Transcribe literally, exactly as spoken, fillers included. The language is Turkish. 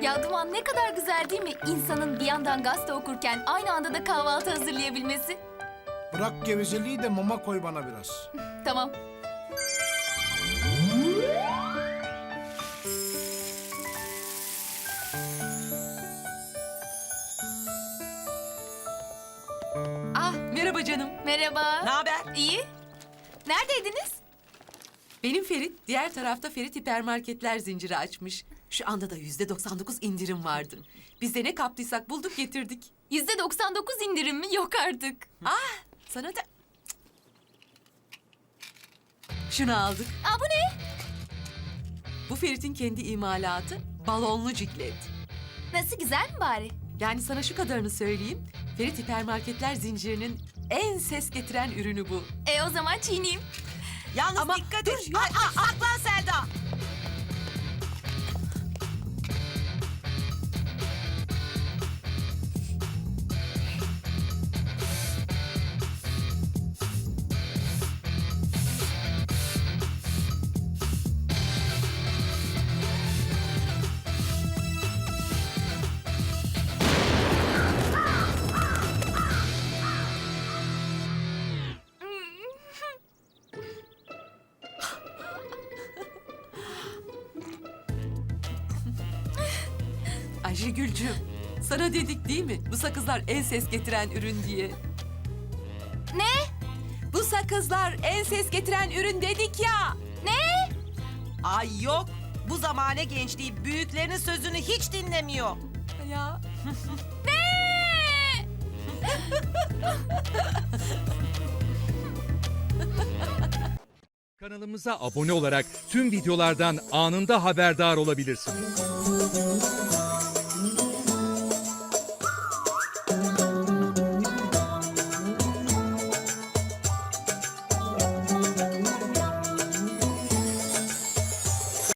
Ya Duman ne kadar güzel değil mi? İnsanın bir yandan gazete okurken aynı anda da kahvaltı hazırlayabilmesi. Bırak gevezeliği de mama koy bana biraz. Tamam. Ah, merhaba canım. Merhaba. Ne haber? İyi. Neredeydiniz? Benim Ferit, diğer tarafta Ferit hipermarketler zinciri açmış. Şu anda da yüzde doksan dokuz indirim vardı. Biz de ne kaptıysak bulduk getirdik. Yüzde doksan dokuz indirim mi? Yok artık. Ah, sana da... Şunu aldık. Aa bu ne? Bu Ferit'in kendi imalatı balonlu ciklet. Nasıl, güzel mi bari? Yani sana şu kadarını söyleyeyim. Ferit hipermarketler zincirinin en ses getiren ürünü bu. E o zaman çiğneyim. Yalnız Ama dikkat dur, et. ya- Ay, ay, saklan Selda. Ayşegül'cüğüm, sana dedik değil mi? Bu sakızlar en ses getiren ürün diye. Ne? Bu sakızlar en ses getiren ürün dedik ya. Ne? Ay yok. Bu zamane gençliği büyüklerinin sözünü hiç dinlemiyor. Ya. Kanalımıza abone olarak tüm videolardan anında haberdar olabilirsiniz.